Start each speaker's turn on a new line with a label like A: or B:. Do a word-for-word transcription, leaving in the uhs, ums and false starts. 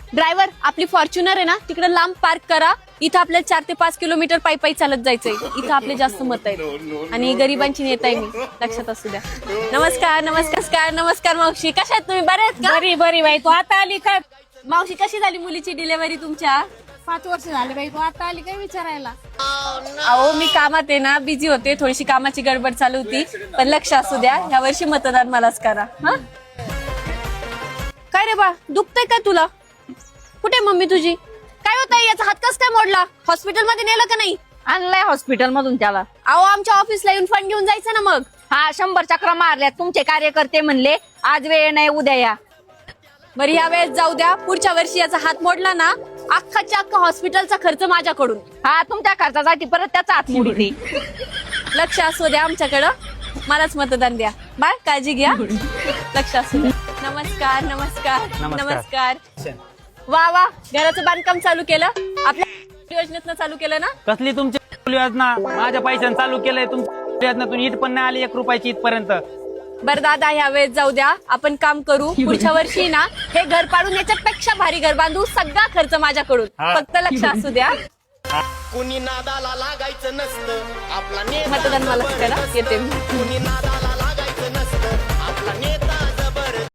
A: Driver आपली Fortuner आहे ना तिकडे लांब पार्क करा. इथं आपल्याला चार ते पाच किलोमीटर पायी पायी चालत जायचंय. इथं आपले जास्त मत आहेत आणि गरिबांची नेता आहे मी, लक्षात असू द्या. नमस्कार नमस्कार नमस्कार मावशी, कशा आहेत तुम्ही? बरे आहेत का?
B: बरी बरी बाई, तू आता आली काय?
A: मावशी कशी झाली मुलीची डिलिव्हरी तुमच्या?
B: पाच वर्ष झाले बाई, तू आता आली काय विचारायला?
A: अहो मी कामात आहे ना, बिझी होते, थोडीशी कामाची गडबड चालू होती. पण लक्ष असू द्या, या वर्षी मतदान मलाच करा. हा काय रे बा, दुखतंय काय तुला? कुठे मम्मी तुझी? काय होत आहे? याचा हात कस काय मोडला? हॉस्पिटल मध्ये नेलं का नाही?
B: आणलाय हॉस्पिटल मधून त्याला.
A: अहो आमच्या ऑफिसला येऊन फंड घेऊन जायचं ना मग.
B: हा शंभर चक्र मारल्यात, तुमचे कार्यकर्ते म्हणले आज वेळ नाही उद्या या.
A: बरं या वेळेस जाऊ द्या, पुढच्या वर्षी याचा हात मोडला ना, अख्खाच्या अख्खा हॉस्पिटलचा खर्च माझ्याकडून.
B: हा तुमच्या खर्चासाठी परत त्याचा हात मोडते.
A: लक्ष असू द्या आमच्याकडं, मलाच मतदान द्या. बाय काळजी घ्या, लक्ष असू द्या. नमस्कार नमस्कार नमस्कार. वा वा, घराचं बांधकाम चालू केलं आपल्या योजनेतनं चालू केलं ना?
C: कसली तुमची योजना? माझ्या पैशाने चालू केलंय तुमच्या योजनेतून ईट पण नाही आली एक रुपयाची इथपर्यंत.
A: बरं दादा ह्या वेळेस जाऊ द्या, आपण काम करू. पुढच्या वर्षी ना हे घर पाडून याच्यापेक्षा भारी घर बांधू. सगळा खर्च माझ्याकडून, फक्त लक्ष असू द्या.
D: कुणी नादाला लागायचं नसतं आपला नेता
A: मतदान मला करा, येते मी.
D: कुणी नादाला लागायचं नसतं आपला नेता